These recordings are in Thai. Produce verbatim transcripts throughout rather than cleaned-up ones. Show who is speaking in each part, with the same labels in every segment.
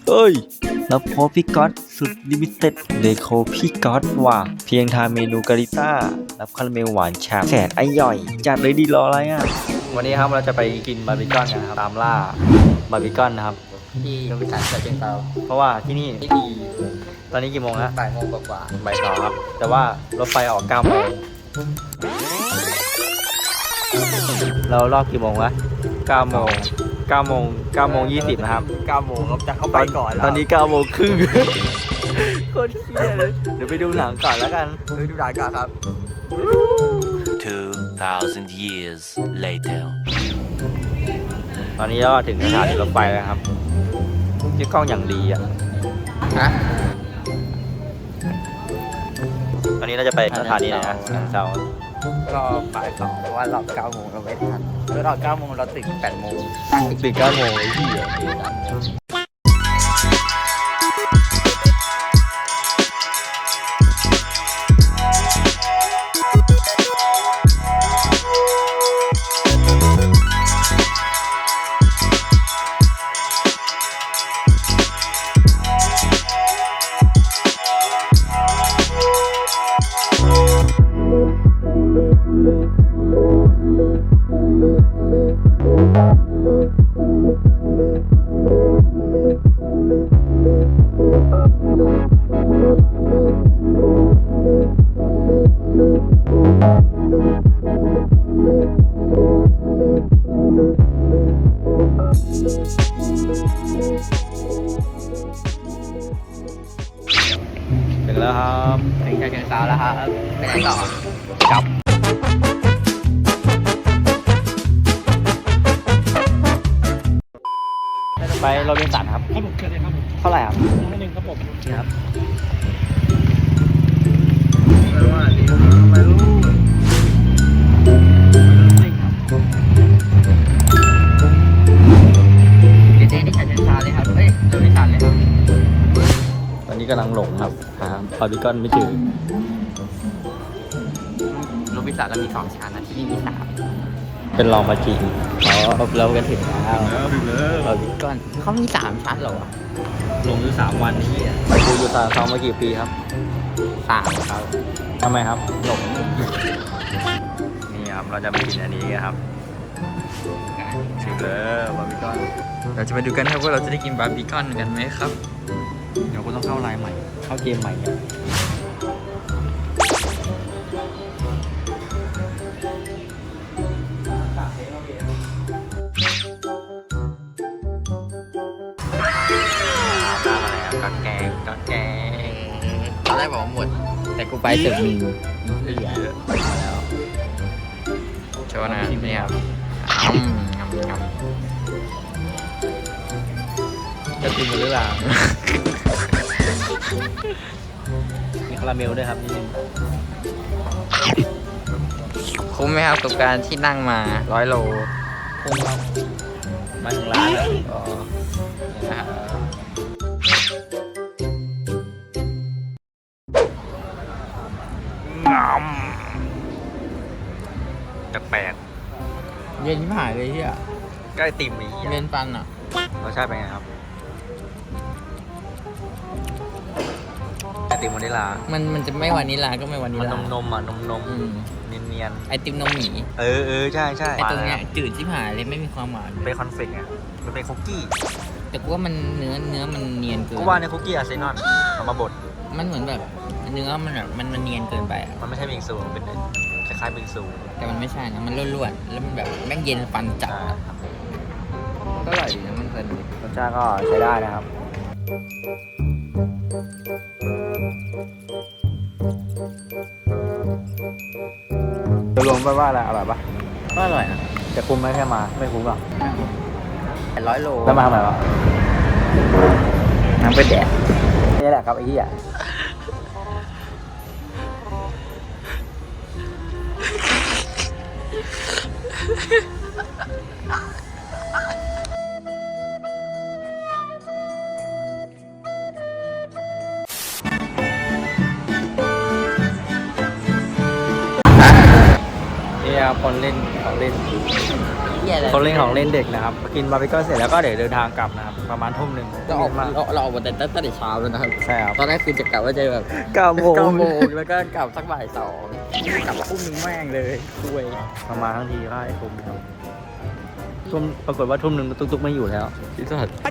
Speaker 1: เอ้ยแล้วพบพี่ก๊อตสุดลิมิเต็ดเดโคพี่ก๊อตว่ะเพียงทานเมนูการิต้ารับคาราเมลหวานฉ่ำแสนอร่อยจัดเลยดีรออะไรอ่ะวันนี้ครับเราจะไปกินบาร์บีคอนกันครับตามล่าบาร์บีคอนนะครับ
Speaker 2: ที่โรบินสันฉะเชิงเทรา
Speaker 1: เพราะว่าที่นี่
Speaker 2: ที่ดี
Speaker 1: ตอนนี้กี่โมงฮะ
Speaker 2: บ่ายโมงกว่า
Speaker 1: บ่ายสองครับแต่ว่ารถไฟออกเก้าโมงเรารอบกี่โมงวะเก้าโมงเก้าโมงเก้าโมงยี่สิบนะครับ
Speaker 2: เก้าโมงครับจะเข้าไปก่อนแล้ว
Speaker 1: ตอนนี้เก้าโมงครึ่งโคตรเชี่ยเลยเดี๋ยวไปดูหนังก่อนแล้วกัน
Speaker 2: เฮ้ยดูหนังกันครับ
Speaker 3: two thousand years later
Speaker 1: ตอนนี้ก็ถึงสถานีรถไฟแล้วครับที่กล้องอย่างดีอ่ะ
Speaker 2: ฮะ
Speaker 1: ตอนนี้เราจะไปสถานีไหนนะฉะเซาร
Speaker 2: อบ่ายสองเพราะว่ารอบเก้าโมงเราไม่ทันแล้วรอบเก้าโมงเราตื่นแปดโมง
Speaker 1: ตื่นเก้าโมงไอ้ที่อ่ะถึงแล้วครับ
Speaker 2: ถึงฉะเชิงเทราแล้วครับไปไหนต่อ
Speaker 1: กลับไปโรบินสันครับ
Speaker 4: ครับผมเชิญเลยครับผม
Speaker 1: เท่าไหร่ครับ
Speaker 4: ร้อยหนึ่งครับผม
Speaker 1: นี่ครับ
Speaker 2: ไม่รู้เดี๋ยวเจ๊ที่ฉะเชิงเทราเลยครับเฮ้ยโรบินสันเลยครับ
Speaker 1: ตอนนี้กำลังหลงครับหาบาร์บีคอนไม่เจอ
Speaker 2: โรบินสันเรามีสองชั้นนะที่นี่มีสาม
Speaker 1: เป็นลองมาจริงอ๋อเรากันถึงแล้ว
Speaker 4: ถึงแล้ว
Speaker 1: บาร์บีคอน
Speaker 2: ก่อนเขามีสามชั้นเหรอวะ
Speaker 1: ลงอยู่สามวันนี้กูอยู่ตาซ้อมมากี่ปีครับ
Speaker 2: สามครับ
Speaker 1: ทำไมครับหลงนี่ครับเราจะไปกินอันนี้กันครับถึงแล้วบาร์บีคอน
Speaker 2: เราจะมาดูกันครับว่าเราจะได้กินบาร์บีคอนกันไหมครับ
Speaker 1: เดี๋ยวกูต้องเข้าไลน์ใหม่ เข้าเกมใหม่เนี่ยตามอะไรครับกัดแกงกัดแกง
Speaker 2: ตอนแรกบอกว่าหมด แต่กูไปถึงมีเหลือแล้วโชว์นะนี่ครับอืมงำงำ
Speaker 1: จะกินหรือเปล่ามีคาราเมลด้วยครับนิดนึง
Speaker 2: คุ้มไหมครับกับการที่นั่งมาร้อยโล
Speaker 1: คุ้มครับมาถึงร้านแล้ว
Speaker 2: อ๋อนะครับ
Speaker 1: จะแปลก
Speaker 2: เย็นที่หายเลยที่อ่ะ
Speaker 1: ใกล้ติ่มอีก
Speaker 2: เย็นปันอ่ะ
Speaker 1: รสชาติเป็นไงครับไอติมวานิลลา
Speaker 2: มันมันจะไม่วานิลลาก็ไม่วานิล
Speaker 1: มัน
Speaker 2: ลาน
Speaker 1: มนมๆอ่ะนมนม
Speaker 2: อืม
Speaker 1: เนียนเนียน
Speaker 2: ไอติมนมหมี
Speaker 1: ๆเออเออใช่ใช่
Speaker 2: ไอตรงเนี้ยจืดที่หายเลยไม่มีความหวาน
Speaker 1: เป็นคอนเฟกต์ไงมันเป็นคุกกี้
Speaker 2: แต่กูว่ามันเนื้อเนื้อมันเนียนเกิน
Speaker 1: กูว่าในคุกกี้อาร์เซนอลเอามาบด
Speaker 2: มันเหมือนแบบเนื้อมันแบบมันมันเนียนเกินไปอ่ะ
Speaker 1: มันไม่ใช่บิงซูมันเป็นคล้ายๆบิงซู
Speaker 2: แต่มันไม่ใช่นะมันร่วนๆแล้วมันแบบแม่งเย็นฟันจัด
Speaker 1: ใช่
Speaker 2: อะก็อร่อยดีนะมันเพลินดี
Speaker 1: รสชาติก็ใช้ได้นะครับจะรวมไปว่าอะไรอร่อยปะ
Speaker 2: ก็อร่อยนะ
Speaker 1: จะคุ้มไหมแค่มาไม่คุ้มหรอก
Speaker 2: แปดร้อยโล
Speaker 1: แล้วมาทำไมวะ
Speaker 2: น้ำไปแดด
Speaker 1: นี่แหละครับไอ้เหี้ย ครับคนเล่นของเล่น
Speaker 2: หี้ยอะไร
Speaker 1: คนเล่นของเล่นเด็กนะครับกินบาร์บีคิวเสร็จแล้วก็เดี๋ยวเดินทางกลับนะครับประมาณทุ่มหนึ่ง
Speaker 2: เราออก
Speaker 1: มา
Speaker 2: เราเราออกมาแต่ตั้งแต่เช้าแล้วนะครับ
Speaker 1: ใช่ครับ
Speaker 2: ตอนแรกคือจะกลับว่าจะแบบ
Speaker 1: เก้าโมง
Speaker 2: เก้าโมงแล้วก็กลับสักบ่ายสองกลับทุ่มนึงแม่งเลยคุย
Speaker 1: ประมาณทั้งทีก็ให้ทุ่มครับทุ่มปรากฏว่าทุ่มหนึ่งตุ๊กๆไม่อยู่แล้ว
Speaker 2: ที่สุด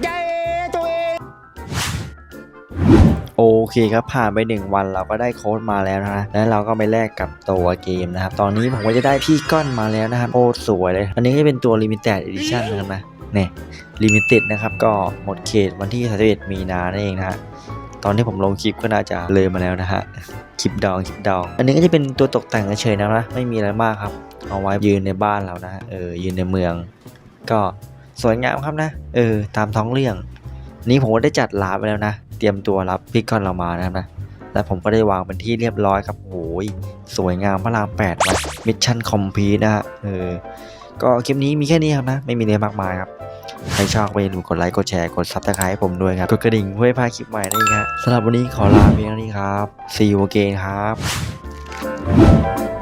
Speaker 1: โอเคครับผ่านไปหนึ่งวันเราก็ได้โค้ดมาแล้วนะแล้วเราก็ไปแลกกับตัวเกมนะครับตอนนี้ผมก็จะได้พี่ก้อนมาแล้วนะครับโอ้สวยเลยอันนี้ก็เป็นตัว Limited Edition นะครับนะเนี่ยลิมิเต็ดนะครับก็หมดเขตวันที่สามสิบเอ็ดมีนานั่นเองนะฮะตอนที่ผมลงคลิปก็น่าจะเลยมาแล้วนะฮะคลิปดองคลิปดองอันนี้ก็จะเป็นตัวตกแต่งเฉยๆนะนะไม่มีอะไรมากครับเอาไว้ยืนในบ้านเรานะเออยืนในเมือง ก็สวยงามครับนะเออตามท้องเรื่องนี้ผมก็ได้จัดร้านไปแล้วนะเตรียมตัวรับพี่ก้อนเรามานะครับนะและผมก็ได้วางเป็นที่เรียบร้อยครับโอ้ยสวยงามพระรามแปดนะมิชชั่นคอมพลีทนะฮะเออก็คลิปนี้มีแค่นี้ครับนะไม่มีอะไรมากมายครับใครชอบไปดูกดไลค์กดแชร์กดซับสไครต์ให้ผมด้วยครับกดกระดิ่งเพื่อไม่พลาดคลิปใหม่นั่นเองครับสำหรับวันนี้ขอลาเพียงเท่านี้ครับ see you again ครับ